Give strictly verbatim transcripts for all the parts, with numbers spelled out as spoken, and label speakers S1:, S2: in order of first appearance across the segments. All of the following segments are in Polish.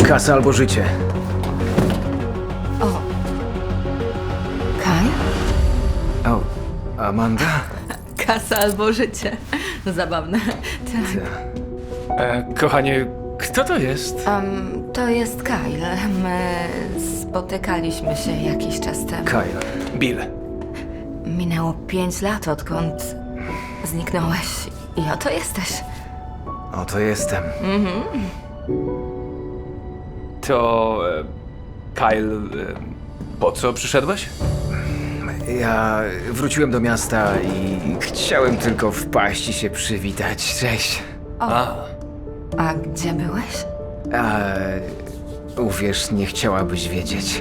S1: Kasa albo życie.
S2: O. Kaj?
S1: O, Amanda?
S2: Kasa albo życie. Zabawne. Tak.
S3: E, kochanie, kto to jest?
S2: Um, to jest Kyle. My spotykaliśmy się jakiś czas temu.
S1: Kyle.
S3: Bill.
S2: Minęło pięć lat, odkąd zniknąłeś. I oto jesteś.
S1: Oto jestem.
S3: To... E, Kyle... E, po co przyszedłeś?
S1: Ja wróciłem do miasta i chciałem tylko wpaść i się przywitać. Cześć.
S3: A,
S2: A gdzie byłeś?
S1: A uwierz, nie chciałabyś wiedzieć.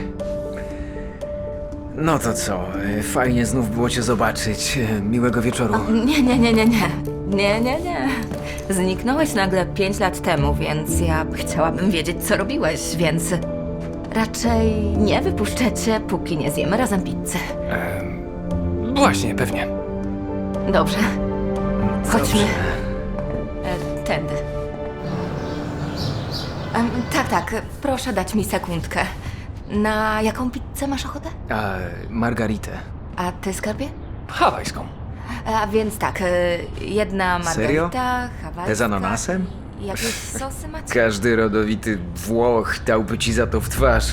S1: No to co, fajnie znów było cię zobaczyć. Miłego wieczoru.
S2: Nie, nie, nie, nie, nie. Nie, nie, nie. Zniknąłeś nagle pięć lat temu, więc ja chciałabym wiedzieć, co robiłeś, więc raczej nie wypuszczę cię, póki nie zjemy razem pizzy.
S3: e, właśnie, pewnie.
S2: Dobrze, chodźmy.
S1: Dobrze.
S2: E, tędy. Em, tak, tak, proszę dać mi sekundkę. Na jaką pizzę masz ochotę?
S1: A Margaritę.
S2: A ty, skarbie?
S3: Hawajską.
S2: A więc tak, e, jedna
S1: Serio?
S2: margarita, hawajska...
S1: Te z ananasem?
S2: Jakieś sosy macie?
S1: Każdy rodowity Włoch dałby ci za to w twarz.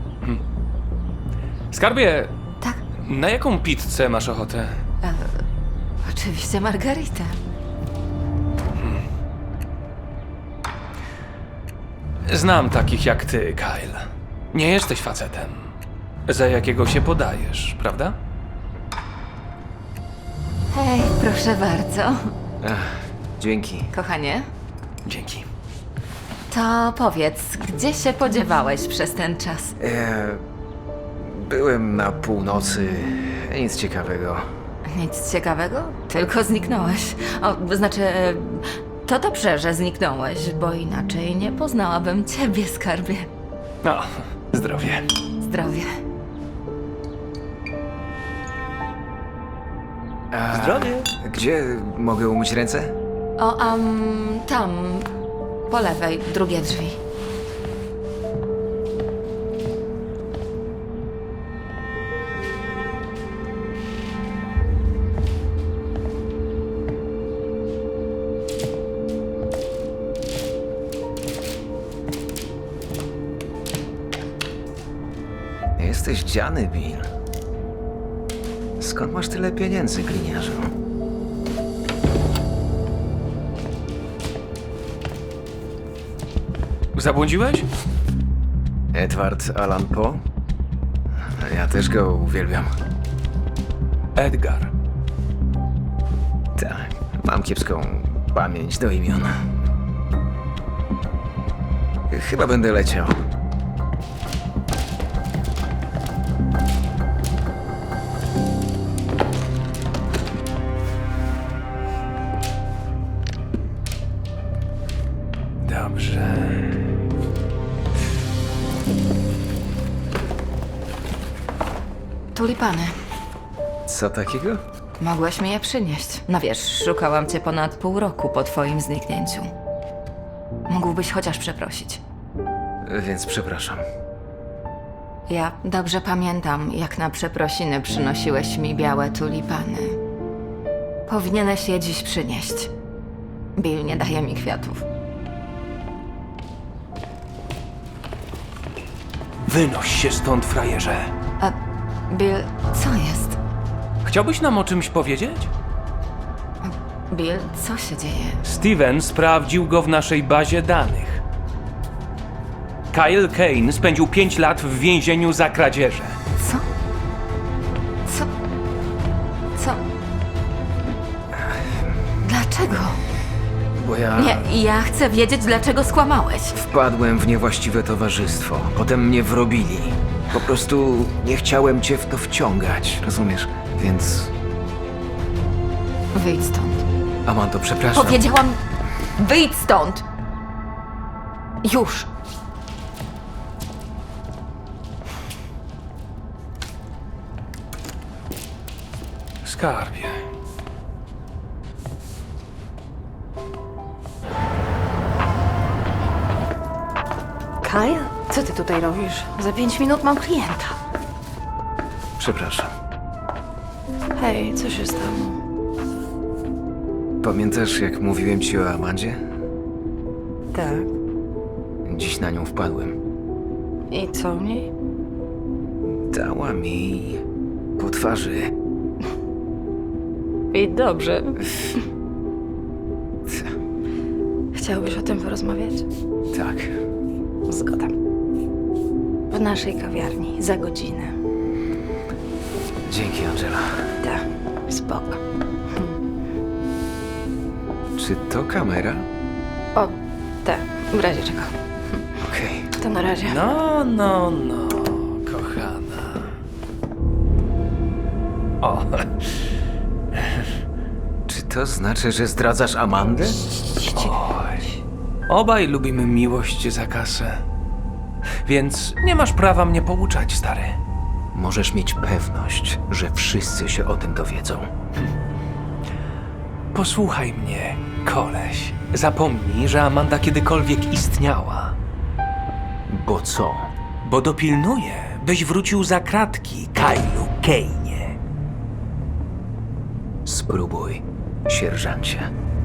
S3: Skarbie,
S2: Tak,
S3: na jaką pizzę masz ochotę?
S2: oczywiście margaritę.
S3: Znam takich jak ty, Kyle. Nie jesteś facetem, za jakiego się podajesz, prawda?
S2: Hej, proszę bardzo.
S1: Ach, dzięki.
S2: Kochanie,
S3: Dzięki.
S2: to powiedz, gdzie się podziewałeś przez ten czas?
S1: E, byłem na północy. Nic ciekawego.
S2: Nic ciekawego? Tylko zniknąłeś. O, znaczy, e, to dobrze, że zniknąłeś, bo inaczej nie poznałabym ciebie, skarbie.
S3: No, zdrowie.
S2: Zdrowie.
S1: A
S3: Zdrowie.
S1: Gdzie mogę umyć ręce?
S2: O, um, tam, po lewej, drugie drzwi.
S1: Jesteś dziany, Bill. Skąd masz tyle pieniędzy, gliniarzu?
S3: Zabłądziłeś?
S1: Edward Allan Poe? Ja też go uwielbiam.
S3: Edgar.
S1: Tak, mam kiepską pamięć do imion. Chyba będę leciał.
S3: Dobrze.
S2: Tulipany.
S1: Co takiego?
S2: Mogłeś mi je przynieść. No wiesz, szukałam cię ponad pół roku po twoim zniknięciu. Mógłbyś chociaż przeprosić.
S1: Więc przepraszam.
S2: Ja dobrze pamiętam, jak na przeprosiny przynosiłeś mi białe tulipany. Powinieneś je dziś przynieść. Bill nie daje mi kwiatów.
S3: Wynoś się stąd, frajerze.
S2: A Bill, co jest?
S3: Chciałbyś nam o czymś powiedzieć?
S2: Bill, co się dzieje?
S3: Steven sprawdził go w naszej bazie danych. Kyle Kane spędził pięć lat w więzieniu za kradzieże.
S2: Co? Co? Co? Dlaczego?
S1: Bo ja
S2: Nie, ja chcę wiedzieć, dlaczego skłamałeś.
S1: wpadłem w niewłaściwe towarzystwo. Potem mnie wrobili. Po prostu nie chciałem cię w to wciągać, rozumiesz? Więc...
S2: Wyjdź stąd.
S1: Amando, przepraszam.
S2: Powiedziałam, wyjdź stąd! Już!
S3: Skarbie.
S2: Kyle, co ty tutaj robisz? Za pięć minut mam klienta.
S1: Przepraszam.
S2: Hej, co się stało?
S1: Pamiętasz, jak mówiłem ci o Amandzie?
S2: Tak.
S1: Dziś na nią wpadłem.
S2: I co w niej?
S1: Dała mi po twarzy.
S2: I dobrze. Chciałbyś o tym porozmawiać?
S1: Tak.
S2: Zgoda. W naszej kawiarni, za godzinę.
S1: Dzięki, Angela.
S2: Tak, spoko.
S1: Czy to kamera?
S2: O, tak, w razie czego.
S1: Okej.
S2: To na razie.
S3: No, no, no, kochana. O,
S1: Czy to znaczy, że zdradzasz Amandę?
S3: oj. Obaj lubimy miłość za kasę. Więc nie masz prawa mnie pouczać, stary.
S1: Możesz mieć pewność, że wszyscy się o tym dowiedzą.
S3: Posłuchaj mnie, koleś. Zapomnij, że Amanda kiedykolwiek istniała.
S1: Bo co?
S3: Bo dopilnuję, byś wrócił za kratki, Kylu Kane'ie.
S1: Spróbuj, sierżancie.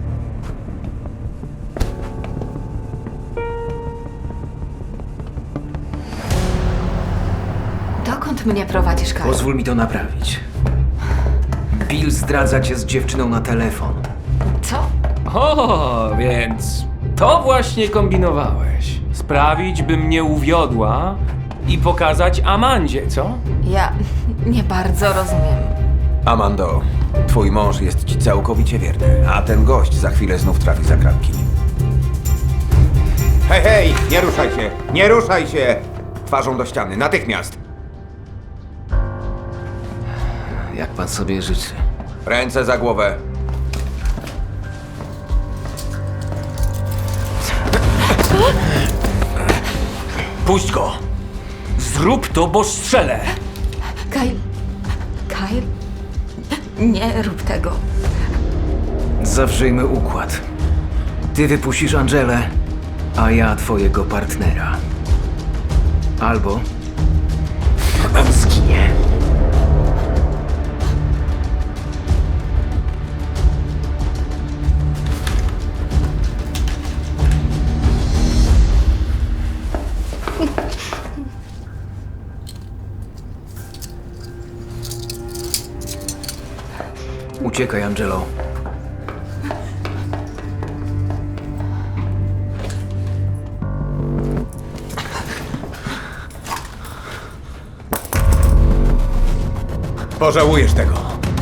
S2: Dokąd mnie prowadzisz, Kyle?
S1: Pozwól mi to naprawić. Bill zdradza cię z dziewczyną na telefon.
S2: Co?
S3: O, więc to właśnie kombinowałeś. Sprawić, by mnie uwiodła i pokazać Amandzie, co?
S2: Ja nie bardzo rozumiem.
S4: Amando, twój mąż jest ci całkowicie wierny, a ten gość za chwilę znów trafi za kratki. Hej, hej! Nie ruszaj się! Nie ruszaj się! Twarzą do ściany, natychmiast!
S1: Jak pan sobie życzy?
S4: Ręce za głowę.
S3: Puść go! Zrób to, bo strzelę!
S2: Kyle... Kyle? Nie rób tego.
S1: Zawrzyjmy układ. Ty wypuścisz Angelę, a ja twojego partnera. Albo on zginie. Uciekaj, Angelo.
S4: Pożałujesz tego.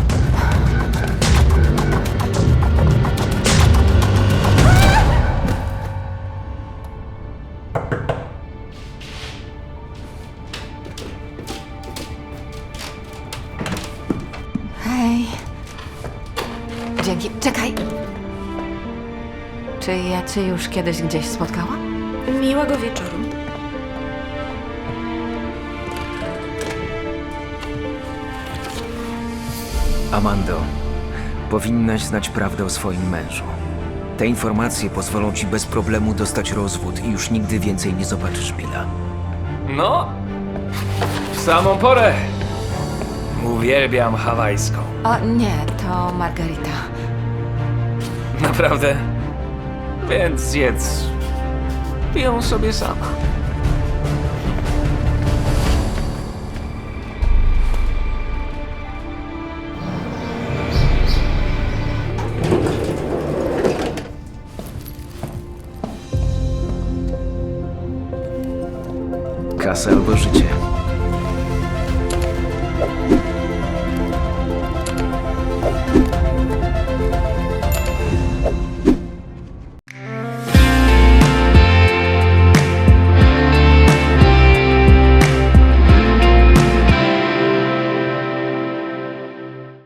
S2: Hej. Dzięki. Czekaj. Czy ja cię już kiedyś gdzieś spotkałam?
S5: Miłego wieczoru.
S1: Amando, powinnaś znać prawdę o swoim mężu. Te informacje pozwolą ci bez problemu dostać rozwód i już nigdy więcej nie zobaczysz Billa.
S3: No, w samą porę. Uwielbiam hawajską.
S2: O nie, to Margarita.
S3: Naprawdę? Więc zjedz ją sobie sama.
S1: Kasa albo życie.